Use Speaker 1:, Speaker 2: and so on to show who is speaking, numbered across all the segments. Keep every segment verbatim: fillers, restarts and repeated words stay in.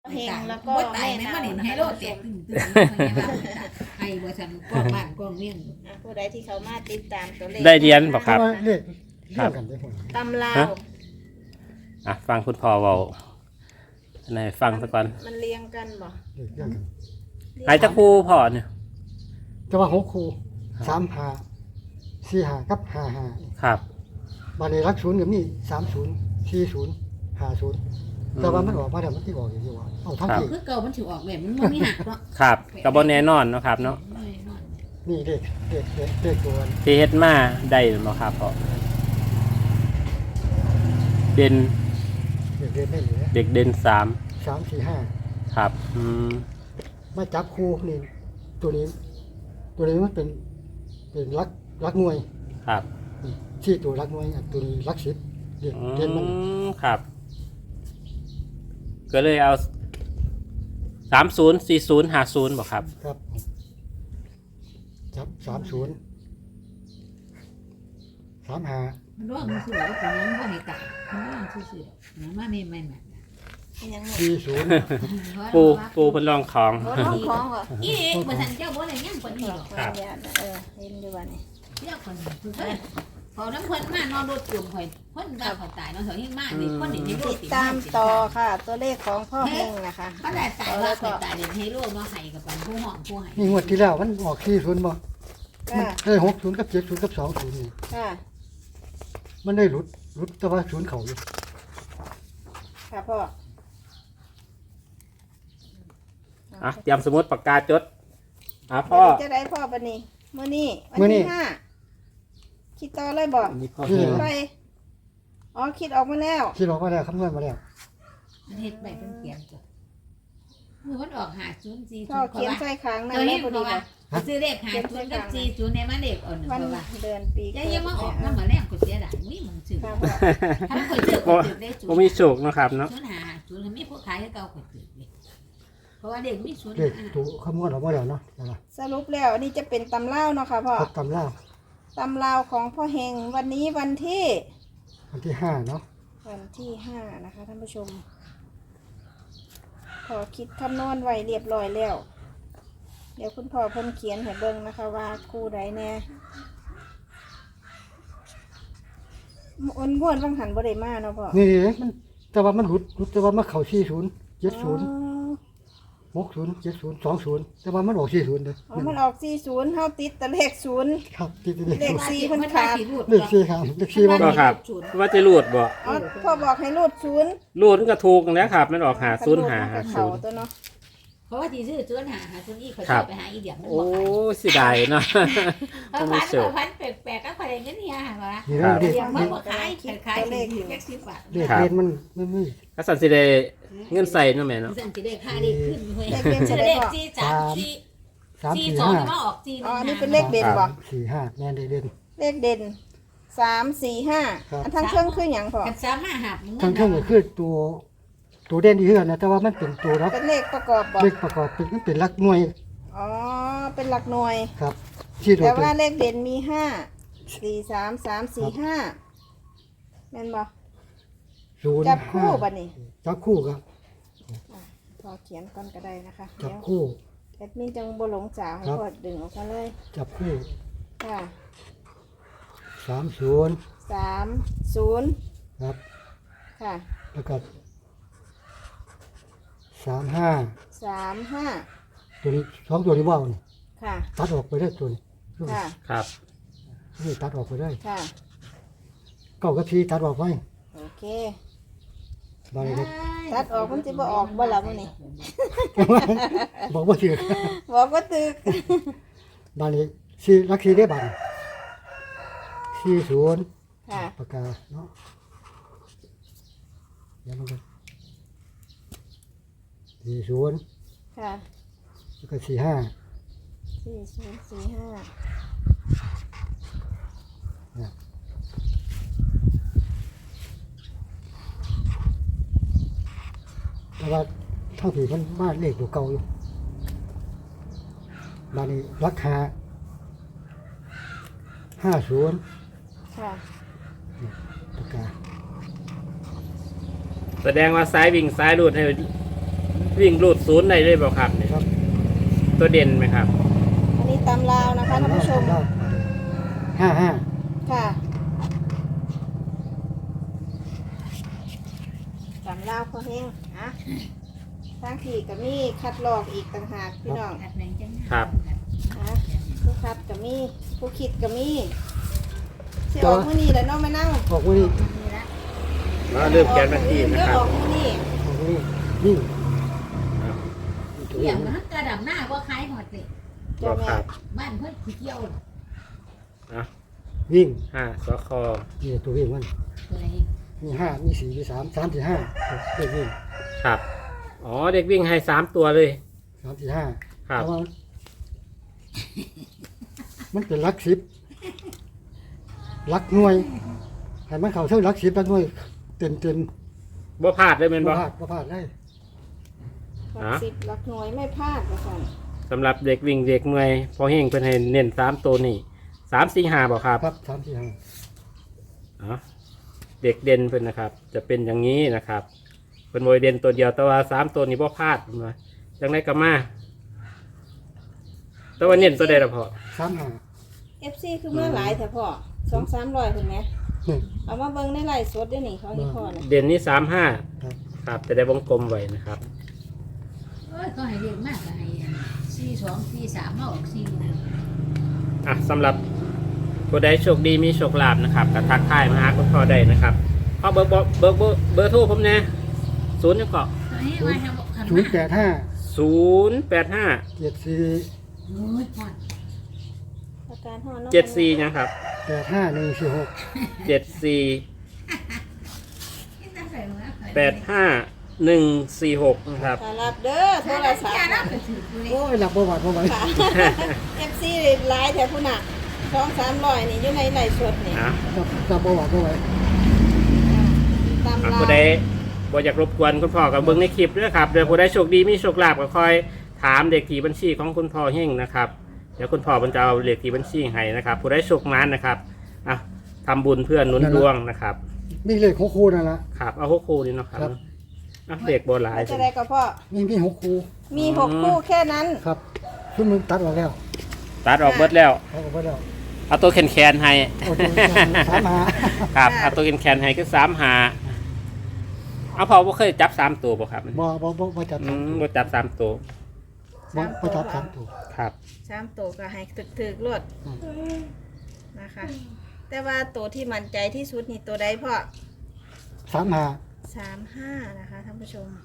Speaker 1: เพลงแล้วก็
Speaker 2: บ่ตายแม่นบ่เห็นไฮโลแตกตึ้งๆไอ้บ่ซั่นกองบ้านกองเมียง
Speaker 1: อ่ะผู้ใดที่เขามาติดตามตัวเลข
Speaker 3: ได้เรียนบ่ครับ
Speaker 4: เลขเรียกกันได้ผล
Speaker 1: ตำลา
Speaker 3: ฮะ
Speaker 1: ว
Speaker 3: อ่ะฟังคุณพ่อเว้าอันไหนฟังซะก่อน
Speaker 1: มันเรียงกันบ่
Speaker 4: เลขเรียกกัน
Speaker 3: หายจักครูพ่อเนี่ย
Speaker 4: แต่ว่าหกคู่สามหาสี่หากับห้าหา
Speaker 3: ครับ
Speaker 4: บาลีรักศูนย์กับนี่สามศูนย์สี่ศูนย์ห้าศูนย์แต่ว่ามันออกมาแล้วมันที่ออกอย่างที่ว่าเอาทั้งที่
Speaker 2: คือเก่ามันสิออกแบบมันบ่มีหักเนาะ
Speaker 3: ครับก็บ่แน่นอนเนาะครับเนาะ
Speaker 4: นี่เลขเลขเลขเลขตัว
Speaker 3: ที่เฮ็ดมาได้บ่ครับพ่อเด่น
Speaker 4: เลขเรียนได้เหลือ
Speaker 3: เด็กเด่นสาม
Speaker 4: สามสี่ห้า
Speaker 3: ครับอืม
Speaker 4: มาจับคู่นี่ตัวนี้ ตัวนี้มันเป็นเป็นรักรักหน่วย
Speaker 3: ครับ
Speaker 4: ที่ตัวรักหน่วยอันตัวนี้รักสิบเรียน
Speaker 3: อื
Speaker 4: เรียนมัน
Speaker 3: มครับ ก็เลยเอาสามศูนย์สี่ศูนย์ห้าศูนย์บ่ครับ
Speaker 4: ครับจับสามศูนย์สามห้า
Speaker 2: มันร้องมันสิว่าคนนั้นบ่ให้ตายมันร้องซื่อๆมันมาไม่ไม่แม่
Speaker 1: ยังไง
Speaker 4: สี่ศูนย์
Speaker 3: ปูปูเป็นรองของ
Speaker 1: รถของของเหรอ
Speaker 2: อีบ่ซั่นเจ้าบ่ได้ยังคนนี้หรอก
Speaker 1: ขออนุญาตนะเออเห็นอยู่ว่านี่
Speaker 2: เจ้าคนนี้คือเพิ่นพอน้ำเพิ่นมานอนรถกลุ่มข่อยเพิ่นว่าเขาตายเนาะเฮายังมานี่คนนี้ในโล
Speaker 1: ติ
Speaker 2: ก
Speaker 1: ดตามต่อค่ะ ตัวเลขของพ่อเฮงนะคะ
Speaker 2: เขาได้ตายว่าข่อยตายเด่นให้โลกเนาะให้กับปันผู้ห้องผู้ให้
Speaker 4: นี่งวดที่แล้วมันออกสี่ศูนย์บ่
Speaker 1: ค่ะ
Speaker 4: มันได้หกศูนย์กับเจ็ดศูนย์กับสองศูนย์นี่
Speaker 1: ค่ะ
Speaker 4: มันได้หลุดหลุดแต่ว่าศูนย์เขาอยู่
Speaker 1: ค่ะพ่อ
Speaker 3: อ่ะเตรียมสมุดปากกาจดอ่ะพ่อ
Speaker 1: วันนี้จะได้พ่อปะนี่มื้อนี้วันที่ห้าคิดต่อเลยบ่
Speaker 3: นี่พ่อ
Speaker 1: คิดไปอ๋อคิดออกมาแล้ว
Speaker 4: ที่เราก็ได้คำนวณมาแล้ว
Speaker 2: มันเฮ็ดไปเพิ่นเขียนจ้ะมือมันออกหาศูนย์สี่
Speaker 1: พ่อ
Speaker 2: ศูนย์
Speaker 1: เขียนใส่ค้างนั่น
Speaker 2: ตัว
Speaker 1: เล
Speaker 2: นี้
Speaker 1: ยพอ
Speaker 2: เพ
Speaker 1: ดี
Speaker 2: ราะว่า
Speaker 1: บ่
Speaker 2: ซื้อเลขหาศูนย์กับสี่ศูนย์ในมาเลขอ่อน
Speaker 1: วัน
Speaker 2: เพราะว่า
Speaker 1: เดือนปี
Speaker 2: อย่าอย่ามาออกมาเหมือนแรกกดเสียดายอุ้ยมึงซื้อ
Speaker 1: ค่ะพ่อ
Speaker 2: ถ้าคนซื้อกดซื้อได้ศูน
Speaker 3: ผม
Speaker 2: ย์
Speaker 3: มีโชคเนาะครับเนาะ
Speaker 2: ศูนย์หาศูนย์มีผู้ขายให้เก่ากดซื้อเลยเพราะว่าเด็กมีศูนย์
Speaker 4: เลข
Speaker 2: หา
Speaker 4: ตัวคำนวณออกมาแล้วเนาะนั่นล่ะ
Speaker 1: สรุปแล้วอันนี้จะเป็นตำเล่าวเนาะค่ะพ่อ
Speaker 4: ครับตำรา
Speaker 1: ตำราวของพ่อเฮงวันนี้วันที่
Speaker 4: วันที่ห้าเนาะ
Speaker 1: วันที่ห้านะคะท่านผู้ชม พอคิดคำนวณไว้เรียบร้อยแล้ว เดี๋ยวคุณพ่อเพิ่นเขียนให้เบิ่งนะคะว่าคู่ใดแน่อ้วนบ้วนบางหันบ่ได้มาเนาะพ่อ
Speaker 4: นี่มันแต่ว่ามันหลุดหลุดแต่ว่ามาเข้าสี่ศูนย์เจ็ดศูนย์
Speaker 1: อ๋อ
Speaker 4: หกศูนย์เจ็ดศูนย์สองศูนย์แต่ว่ามันออกสี่ศูนย์เลย
Speaker 1: อ๋อมันออกสี่ศูนย์เฮาติดแต่เลขศูนย์
Speaker 4: ครับที่ที่เลข
Speaker 1: เลข สี่เพิ่นขาด
Speaker 4: เลขสี่ครับเลขสี่ว่า
Speaker 3: ก็ครับ ว่าจะรูดบ่
Speaker 1: อ๋อพ่อบอกให้รูดศูนย์
Speaker 3: รูดมันก็ถูกแล้วครับ มันออกหาศูนย์หาหา
Speaker 1: เขา
Speaker 3: ศูนย์
Speaker 1: ตัวเนาะ
Speaker 2: เพราะว่าที่ซื้อศูนย์หาหาศูนย์อีกเขา
Speaker 3: ครั
Speaker 2: จะ
Speaker 3: บ
Speaker 2: ไปหาอีเดียมัน
Speaker 3: โอ้
Speaker 2: บอกขาย
Speaker 3: เสิได้เนาะ
Speaker 2: เขาพันเขาพันแปลกๆก็ขายเงินเนี่ยค่ะ
Speaker 4: นี่
Speaker 3: ครั
Speaker 4: นะ
Speaker 3: บ
Speaker 4: เลข
Speaker 2: อย่างมันบอกขายขายเลขเลขสิบบาท
Speaker 4: เลขเรียนมันไม่ไม่
Speaker 3: ก็สันสิได้เงินใส่เนาะแม่เนาะ
Speaker 2: สั่งจะได้ค่าได้ขึ้นเว้ย
Speaker 1: เลขเด่น
Speaker 2: จะ
Speaker 1: จะ
Speaker 2: ได้
Speaker 1: ได้พ่อ
Speaker 2: สี่สามสี่
Speaker 4: สาม
Speaker 2: สี่
Speaker 4: สี่
Speaker 2: สอง
Speaker 4: ห้า
Speaker 2: มาออกสี่
Speaker 1: อ๋ออันนี้เป็นเลขเด่นบ่
Speaker 4: สี่ห้าแม่นเลขเด่น
Speaker 1: เลขเด่นสามสี่ห้า
Speaker 4: ครับ
Speaker 1: อันทั้งเครื่องคืออย่างพอ
Speaker 2: กันสามห้าหับ
Speaker 4: ทั้งเท่งก็คือตัวตัวเด่นที่เฮือนนะแต่ว่ามันเป็นตัวรัก
Speaker 1: เป็นเลขประกอบบ่
Speaker 4: เลขประกอบเป็นมันเป็นรักหน่วย
Speaker 1: อ๋อ เป็นหลักหน่วย
Speaker 4: ครับที่ตัว
Speaker 1: แต่
Speaker 4: เป็น
Speaker 1: ว่าเลขเด่นมีห้าสี่สามสามสี่ห้าแม่นบ่
Speaker 4: ศูนย์
Speaker 1: จับคู่
Speaker 4: ห้า
Speaker 1: บัดนี้
Speaker 4: จับคู่ครับ
Speaker 1: พอเขียนก่อนก็ได้นะคะ
Speaker 4: จั
Speaker 1: เดี๋
Speaker 4: บ
Speaker 1: ยว
Speaker 4: คู่
Speaker 1: แอดมินจังบ่หลงจ่าให้
Speaker 4: ครับ
Speaker 1: พอดึงออกมาเลย
Speaker 4: จับคู่
Speaker 1: ค่ะ
Speaker 4: สามศูนย์
Speaker 1: สามศูนย์
Speaker 4: ครับ
Speaker 1: ค่ะ
Speaker 4: แล้วก็สามห้า
Speaker 1: สามห้า
Speaker 4: ตัวนี้สองตัวนี้ว่าวนี่
Speaker 1: ค่ะ
Speaker 4: ตัดออกไปได้ตัวนี้
Speaker 1: ค่ะ
Speaker 3: ครับ
Speaker 4: นี่ตัดออกไปได้
Speaker 1: ค่ะ
Speaker 4: เก้ากับทีตัดออกไป
Speaker 1: โอเค
Speaker 4: บาลีเล็ก
Speaker 1: ตัดออกมันจะบ่ออกบ่ล่ะมื้อนี้
Speaker 4: บอกว่าถือ
Speaker 1: บอกว่าตึก
Speaker 4: บาลีสี่ลักสี่ได้บัตรสี่ศูนย์
Speaker 1: ค่ะ
Speaker 4: ปากกาเนาะเดี๋ยวมันก็สี่ศูนย์
Speaker 1: ค่ะ
Speaker 4: แล้วก็สี่ห้า
Speaker 1: สี่ศูนย์สี่ห้า
Speaker 4: แต่ว่าเท่าที่มันมาเลขตัวเก่าอยู่บาลีรักหาห้าศูนย์
Speaker 1: ค่ะ
Speaker 4: ปากกา
Speaker 3: แสดงว่าซ้ายวิ่งซ้ายรูดให้วิ่งรูดศูนย์ได้เลยบ่ครับเนี่ย
Speaker 4: ครับ
Speaker 3: ตัวเด่นไหมครับ
Speaker 1: อันนี้ตำลาวนะคะท่านผู้ชม
Speaker 4: ห้าห้า
Speaker 1: ค่ะตำลาวพอแห้งอะทางที่ก็มีคัดลอกอีกต่างหากพี่น้อง
Speaker 2: อัดแรงจัง
Speaker 3: ครับ
Speaker 1: นะผู้คัดก็มีผู้คิดก็มีสิออกมื้อนี้แหละเนาะไม่นั่ง
Speaker 4: ออกวันนี้
Speaker 2: นี่ละ
Speaker 3: มาเริ่มแกนวันที่นะครับ
Speaker 1: ออกมื้อนี้
Speaker 4: ออกวันนี้วิ่ง
Speaker 2: เกี่ยวกับกระดับหน้าว่าคล้ายหอดเลย
Speaker 3: ก็
Speaker 1: เจ้าแม่
Speaker 3: ครับ
Speaker 2: บ้านเพื่อนขี้เกี่ยว
Speaker 3: นะ
Speaker 4: วิ่ง
Speaker 3: ห้าสค
Speaker 4: นี่ตัววิ่งมัน
Speaker 2: ตัวไหน
Speaker 4: มีห้ามีสี่มีสามสามสี่ห้าเด็กวิ่ง
Speaker 3: ครับ อ๋อเด็กวิ่งให้สามตัวเลย
Speaker 4: สามสี่ห้า
Speaker 3: ครับ
Speaker 4: แต่ว่ามันเป็นลักสิบลักหน่วยให้มันเข้าเท่าลักสิบลักหน่วยเต็มเต็ม
Speaker 3: บ่พลาดเลยเป็น
Speaker 4: บ่
Speaker 3: บ่
Speaker 4: พลาดบ่พลาดได้
Speaker 1: หลักสิบหลักหน่วยไม่พลาดว่าซั่น
Speaker 3: สำหรับเด็กวิ่งเด็กเมื่อยพอเฮงเพิ่นให้เน้นสามตัวนี่สามสี่ห้าบ่ครับ
Speaker 4: ครับสามสี่ห้า
Speaker 3: อ๋อเด็กเด่นเพิ่นนะครับ จะเป็นอย่างนี้นะครับเป็นมวยเด่นตัวเดียวแต่ว่าสามตัวนี้บ่พลาดเพิ่นว่าจังไดก็มาแต่ว่าเน้นตัวใดล่ะพ่อ
Speaker 4: สามห้า
Speaker 1: เอฟซีคือมาหลายแต่พ่อสองสามร้อยเห็นไหม
Speaker 4: นี่
Speaker 1: เอามาเบิ่งในไลฟ์สดด้วยนี่เขาให้พ่อนะ
Speaker 3: เด่นนี่สามห้า
Speaker 4: ครับ
Speaker 3: ครับจะได้วงกลมไว้นะครับ
Speaker 2: เอ้ยก็ให้เรียกมากก็ให้สี่สองสี่สามมาออกสี่หนึ่ง
Speaker 3: อ่ะสำหรับผู้ใดโชคดีมีโชคลาภนะครับก็ทักทายมาหาคุณพ่อได้นะครับพ่อเบอร์เบอร์เบอร์เบอร์เบอร์โทรผมเนี่ยศูนย์ยังเกาะ
Speaker 2: ตัวนี้ว่าทำบอกขัน
Speaker 4: ศูนย์แปดห้า
Speaker 3: ศูนย์แปดห้า
Speaker 4: เจ็ดสี่
Speaker 2: โอ้ยพอด
Speaker 1: อาการห่อน้อง
Speaker 3: เจ็ดสี่ยังครับ
Speaker 4: แปดห้าหนึ่งสี่หก
Speaker 3: เจ็ดสี่
Speaker 2: นี่ตั้งแต่เมื่อ
Speaker 3: แปดห้าหนึ่งสี่หกนะครับ
Speaker 1: ถ้ารับเด้อโทรศัพท์
Speaker 2: รับไปถือกูเลย
Speaker 4: โอ้ยหลับบ่หวาดบ่ไหว
Speaker 1: ค่ะเอฟซีหลายแถวพุ่นน่ะสองสามร้อยนี่อยู่ในไลฟ์สดนี่
Speaker 3: อ่ะ
Speaker 4: หลับหลับบ่หวาดบ่ไหว
Speaker 1: ตาม
Speaker 3: อ่ะ
Speaker 1: ลา
Speaker 3: ผู้ใดบ่อยากรบกวนคุณพ่อกับเบิ้งในคลิปด้วยครับเดี๋ยวผู้ใดโชคดีมีโชคลาภก็คอยถามเด็กที่บัญชีของคุณพ่อเฮงนะครับเดี๋ยวคุณพ่อมันจะเอาเลขที่บัญชีให้นะครับผู้ใดโชคนั้นนะครับอ่ะทำบุญเพื่อหนุนดวงนะครับ
Speaker 4: มีเลขหกคู่นั่นละ
Speaker 3: ครับเอาหกคู่นี่เนาะครับ
Speaker 4: ครับ
Speaker 3: อ่ะเด็กโบราณ
Speaker 1: จะได้ก็พ่อ
Speaker 4: มีมีหกคู่
Speaker 1: มีหกคู่แค่นั้น
Speaker 4: ครับชุดมึงตัดออกแล้ว
Speaker 3: ตัดออกเบิดแล้ว
Speaker 4: เอาออกไปแล้ว
Speaker 3: เอาตัวแคนแคนๆให้
Speaker 4: เอาตัวสามหา
Speaker 3: ครับเอาตัวแคนแคนๆให้คือสามหาเอาพอว่าเคยจับสามตัวบ่ครับ
Speaker 4: บ่บ่บ่บ่จับ
Speaker 3: อื
Speaker 4: สาม
Speaker 3: มบ่จับสามตัว
Speaker 4: บ่บ่จับสามตัว
Speaker 3: ครับ
Speaker 1: สามตัวก็ให้ถึกๆรวด
Speaker 4: อืม
Speaker 1: นะคะ แต่ว่าตัวที่มั่นใจที่สุดนี่ตัวใดพ่อ
Speaker 4: สามหา
Speaker 1: สามห้านะคะท่านผู้ชม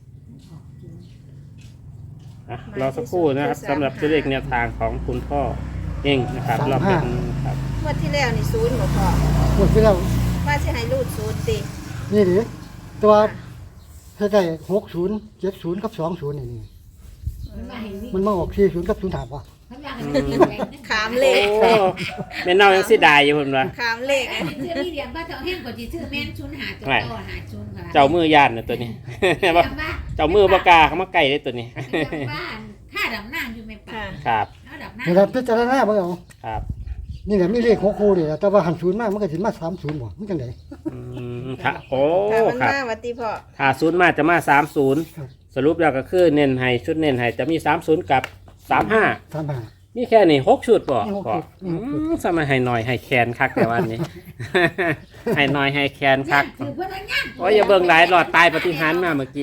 Speaker 3: อ่ะรอสักครู่นะครับสำหรับตัวเลขแนวทางของคุณพ่อเองนะครับรอบนี้ครับ
Speaker 1: งวดที่แล้วนี่ศูนย์บ่พ่อ
Speaker 4: หมดไปแล้ว
Speaker 1: ว่าสิให้รูดศูนย์ติ
Speaker 4: นี่ดิตัวให้ได้หกศูนย์เจ็ดศูนย์กับสองศูนย์นี่นี่
Speaker 2: มันมาให้วิ่ง
Speaker 4: มันมาออกสี่ศูนย์กับศูนย์ถามว่า
Speaker 2: มันมาให้วิ่งแรง
Speaker 1: ขามเลข
Speaker 3: โอ้แม่เน่ายังสิดายอยู่เพิ่นว่า
Speaker 1: ขามเลข
Speaker 2: เชื่อพี่เดียมว่าเจ้าแห้งกว่าจีชื่อแม่นชุนหาตัวต่อหาชุนค่ะ
Speaker 3: เจ้ามือย่านน่ะตัวนี้
Speaker 2: ว่า
Speaker 3: เจ้ามือบ่กล้าเข้ามาใกล้ได้ตัวนี้
Speaker 2: บ้านค่าดำน้ำอยู่ไม่ป่า
Speaker 1: ค่ะ
Speaker 3: ครับ
Speaker 2: แล้วดำน้
Speaker 4: นี่แหละพิจารณาเบิ่งเอา
Speaker 3: ครับ
Speaker 4: นี่แหละมีเลขหกคู่นี่แหละแต่ว่าหันศูนย์มากมันก็สิมาสามศูนย์บ่มันจังได๋
Speaker 3: อืมค่ะโอ้
Speaker 1: ถ้ามัน
Speaker 3: ครับ
Speaker 1: มาวัติพ่อ
Speaker 3: ถ้าศูนย์มาจะมาสามศูนย์
Speaker 4: ครับ
Speaker 3: สรุปแล้วก็คือเน้นให้ชุดเน้นให้จะมีสามศูนย์กับสามห้า
Speaker 4: สามหา
Speaker 3: มีแค่นี้หกชุดบ่
Speaker 4: มีหก
Speaker 3: บ่
Speaker 4: ชุดมีหกชุด
Speaker 3: อืมสมัยให้หน่อยให้แคนคักแต่วันนี้ ให้หน่อยให้แคน
Speaker 2: ำ
Speaker 3: คัก
Speaker 2: ถือว่าย่าง
Speaker 3: โอ้ยอย่าเบิ่งหลายหลอดตายปฏิหารย์มาเมื่อกี้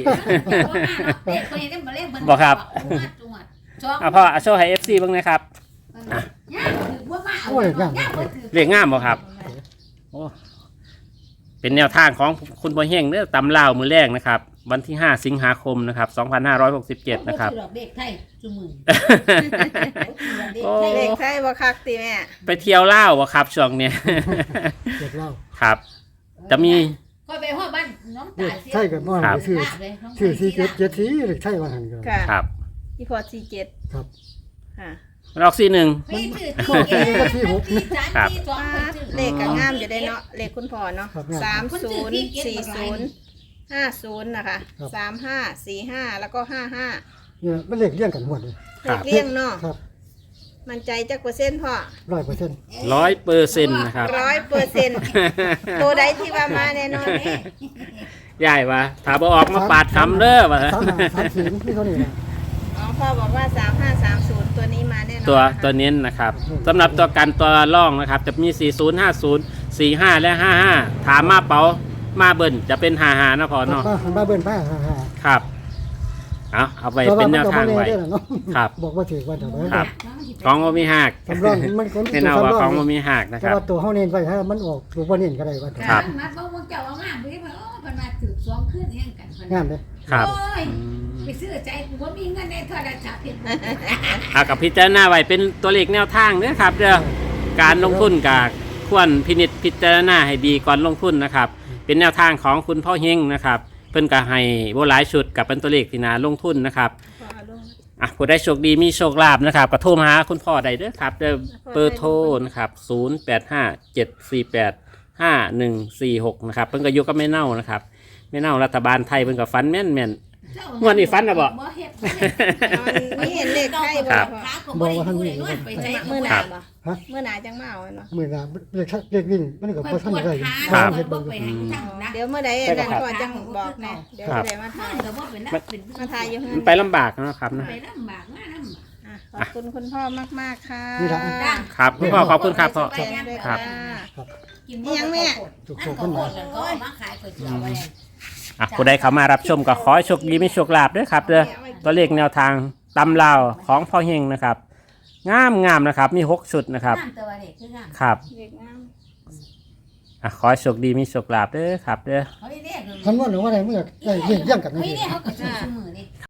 Speaker 2: บอกครับ
Speaker 3: อ่ะพ่อเอาโชว์ให้ เอฟ ซี เบิ่งหนะครับ
Speaker 2: ย่างถือว่ามาเอาย่างถือ
Speaker 3: เรียกงามบ่ครับ โอ้เป็นแนวทางของคุณบ่เฮงเด้อตำลาวมือแรกนะครับ วันที่ห้าสิงหาคมนะครับสองพันห้าร้อยหกสิบเจ็ดนะครับ
Speaker 2: เด็กไทยจุมือ
Speaker 3: โอ้
Speaker 1: เลขไทยบ่คักติแม่
Speaker 3: ไปเที่ยวลาวบ่ครับช่วงเนี้ย
Speaker 4: เด็กเล่า
Speaker 3: ครับ จะมี
Speaker 2: ก็ไปห้องบ้านน้อง
Speaker 4: เด็
Speaker 2: ตาก
Speaker 4: ใช่กับบ่ไปซื้อซื้อสี่เจ็ดเจ็ดสี่เด็กใช่ว่าหันก็
Speaker 1: ค่ะ
Speaker 3: ครับ
Speaker 1: อีพอสี่เจ็ด
Speaker 4: ครับ
Speaker 1: ค่ะ
Speaker 3: มันออกซีหนึ่ง
Speaker 1: เลขก็งามอยู่ได้เนาะเลขคุณพ่อเนาะสามศูนย์สี่ศูนย์ห้าศูนย์นะคะสามห้าสี่ห้าแล้วก็ห้าห้า
Speaker 4: เนี่ยมันเลขเลี้ยงกันหมดเลย
Speaker 1: เลขเลี่ยงเนาะ
Speaker 4: ครับ
Speaker 1: มันใจจักเปอร์เซ็นต์พ่อ
Speaker 4: ร้อยเปอร์เซ็นต์
Speaker 3: ร้อยเปอร์เซ็นต์นะครับ
Speaker 1: ร้อยเปอร์เซ็นต์ตัวใดที่ว่ามาแน่นอน
Speaker 3: ยายว่าถ้าบ่ออกมาปาดคำเด้อว่า
Speaker 4: สามห้าสามสี่นี่เท่านี้นะ
Speaker 1: อ๋อพ่อบอกว่าสามห้าสามศูนย์ตัวนี้มาแน่นอน
Speaker 3: ตัว
Speaker 1: นะคะ
Speaker 3: ตัวเน้นนะครับสำหรับตัวกันตัวร่องนะครับ จะมีสี่ศูนย์ ห้าศูนย์ สี่ห้าและห้าห้าถามมาเป๋ามาเบิ่นจะเป็นห้าห้านะพอเนาะ
Speaker 4: ป้าหันมาเบิ้ลป้าฮ่าฮ่า
Speaker 3: ครับเอาเอาไปเป็นแนวทางไว้ ครับ
Speaker 4: บอกว่าถือว่าเดี๋ยว
Speaker 3: ครับ ของบ่มีหัก
Speaker 4: สำรองมันคน
Speaker 3: แน่นอนว่าของบ่มีหักนะค
Speaker 4: แต่
Speaker 3: รับ
Speaker 4: ว่าตัวเฮาเน้นไว้ถ้ามันออกถูกบ่เน้นก็ได้ว่า
Speaker 3: ครับ
Speaker 2: นัดบ่วงเจ้าเอางามไปเพิ่นโอ้เพิ่นมาถือสองคืนแห่งกันเพิ่น
Speaker 4: งามเด้
Speaker 3: ครับ
Speaker 2: โอ้ย
Speaker 3: อืม
Speaker 2: ไปซื้อใจกูบ่มีเงินในโทรศัพท์เฮ็ดบ่
Speaker 3: เอากับพิจารณาไว้เป็นตัวเลขแนวทางเด้อครับเด้อการลงทุนกับควรพินิจพิจารณาให้ดีก่อนลงทุนนะครับ เป็นแนวทางของคุณพ่อเฮงนะครับ เพิ่นก็ให้บ่หลายชุดกับเป็นตัวเลขที่น่าลงทุนนะครับ
Speaker 1: พ่อเอาลง
Speaker 3: อ่ะผู้ได้โชคดีมีโชคลาภนะครับก็โทรมาหาคุณพ่อได้เด้อครับเด้อเบอร์โทรนะครับศูนย์ แปด ห้า เจ็ด สี่ แปด ห้า หนึ่ง สี่ หกนะครับเพิ่นก็อยู่กับแม่เน่านะครับแม่เน่ารัฐบาลไทยเพิ่นก็ฟันแม่นแม่น งวดนี้ฟันน่ะบ่
Speaker 2: บ่เฮ็ดบ่เฮ็ด
Speaker 1: มันมีเห็นเลขไทย
Speaker 3: ครั
Speaker 1: บ่
Speaker 3: บ
Speaker 1: พ่อ
Speaker 2: ขาก็บ่ได้ดูเลยนวดไปใจ
Speaker 1: มื่อห
Speaker 3: ครั
Speaker 1: นา
Speaker 3: บ
Speaker 1: บ่
Speaker 4: ฮะ
Speaker 1: มื่อหนาจังมาเอาเนาะ
Speaker 4: มื้อหน้าเลขเลขวิ่งมันก็
Speaker 2: เพิ่
Speaker 4: บ่
Speaker 2: น
Speaker 4: ทัน
Speaker 2: ปวด
Speaker 4: ได้
Speaker 2: ขา
Speaker 3: ครับ
Speaker 2: เพิ่นบ่ไปหาทางนะ
Speaker 1: เดี๋ยวเมื่อใดอาจารย์พ่อจังบอกแน่เดี๋ยว
Speaker 3: ครั
Speaker 1: จะ
Speaker 3: บ
Speaker 1: ได้มาถ่าย
Speaker 2: ก็บ่เป็นนักเป็น
Speaker 1: มาถ่ายอยู่
Speaker 3: มันไปลำบากนะครับนะ
Speaker 2: ไปลำบากมากนำ
Speaker 1: อ่ะขอบคุณคุณพ่อมากๆค่ะ
Speaker 3: ครับคุณพ่อขอบคุณครับพ่อ
Speaker 1: แจ้งด้วย
Speaker 3: ครั
Speaker 1: ค่ะ
Speaker 3: บ
Speaker 2: กินยังแม่ถูกๆขึ้นมาแล้วก็มาขายก๋วยเตี๋ยวไว้
Speaker 3: อ่ะผู้ใดเข้ามารับชมก็ขอให้โชคดีมีโชคลาภด้วยครับเด้อตัวเลขแนวทางตำลาวของพ่อเฮงนะครับ งามงามนะครับมีหกชุดนะครับ
Speaker 2: น้ำตัวเด็กคืองาม
Speaker 3: ครับ
Speaker 1: เด็กงาม
Speaker 3: อ่ะขอให้โชคดีมีโชคลาภเด้อครับเด้อ
Speaker 2: เฮ้ยเนี่ย
Speaker 4: คำนวณว่าได้มันก็ได้เรียงกัน
Speaker 2: เฮ้ย
Speaker 4: นี่
Speaker 2: เนี่ยเขาก็ซื้อมือนี่